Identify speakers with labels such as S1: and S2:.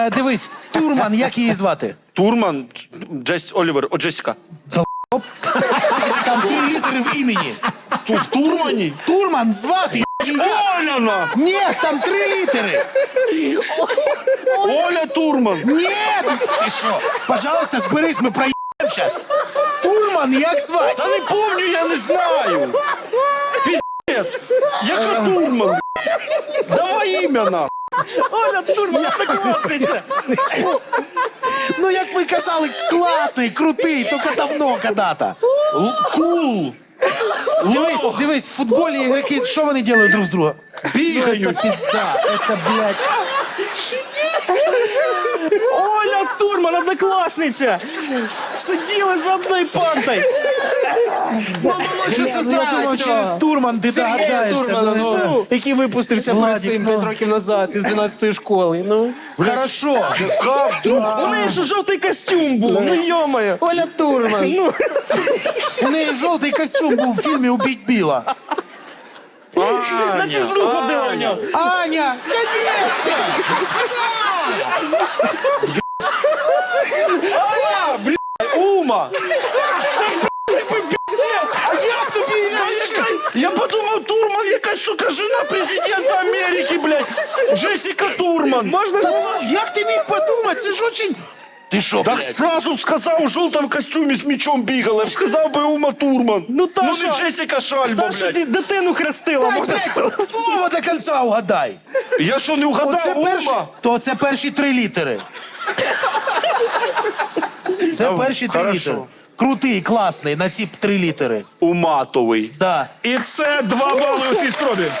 S1: Дивись, Турман, як її звати?
S2: Турман, Олівер, Джесіка.
S1: Там 3 літери в імені.
S2: В Турмані?
S1: Турман звати.
S2: Оляна!
S1: Ні, там 3 літери.
S2: Оля Турман.
S1: Ні, ти що? Пожалуйста, зберись, ми проїдемо зараз. Турман, як звати?
S2: Та не помню, я не знаю. Піздець. Яка Турман? Давай ім'я, на.
S3: Оля Турман, однокласниця.
S1: Ну, як ви казали, класний, крутий, тільки давно когда-то.
S2: Кул.
S1: Дивись, в футболі ігроки, що вони роблять друг з другом?
S2: Бігають.
S1: Это пизда, это, блядь.
S3: Оля Турман, однокласниця. Сиділи за одною партою.
S1: Що я думав, через Турман ти догадаєшся.
S4: Турмана,
S1: Ну, це-
S4: який випустився перед
S1: Владик,
S4: цим
S1: ну.
S4: 5 років назад із 12-ї школи. Ну.
S1: Хорошо.
S3: У неї ж жовтий костюм був, ну йомаю.
S4: Оля Турман.
S3: Ну,
S1: У неї жовтий костюм був в фільмі «Убить Біла».
S3: на фізру ходила в нього.
S1: Аня! Конечно!
S2: Ума.
S1: А як тобі?
S2: Я подумав, Турман якась, сука, жена президента Америки, блядь. Джесіка Турман.
S3: Можна ж було?
S1: Як ти міг подумати? Це ж очень... Ти що,
S2: Так
S1: блядь?
S2: сразу сказав, у жовтому костюмі з мечом бігала. Сказав би Ума Турман.
S3: Ну, та
S2: ну
S3: що?
S2: не Джесіка Шальба,
S3: Та що
S2: блядь.
S3: ти дитину хрестила,
S1: Дай,
S3: можна сказати.
S1: блядь, слово до кінця угадай.
S2: Я що, не вгадав, Ума?
S1: То це перші 3 літери. Це перші 3
S2: хорошо.
S1: літери. Крутий, класний, на ці 3 літери.
S2: Уматовий.
S1: Да.
S3: І це 2 бали у цій спробі.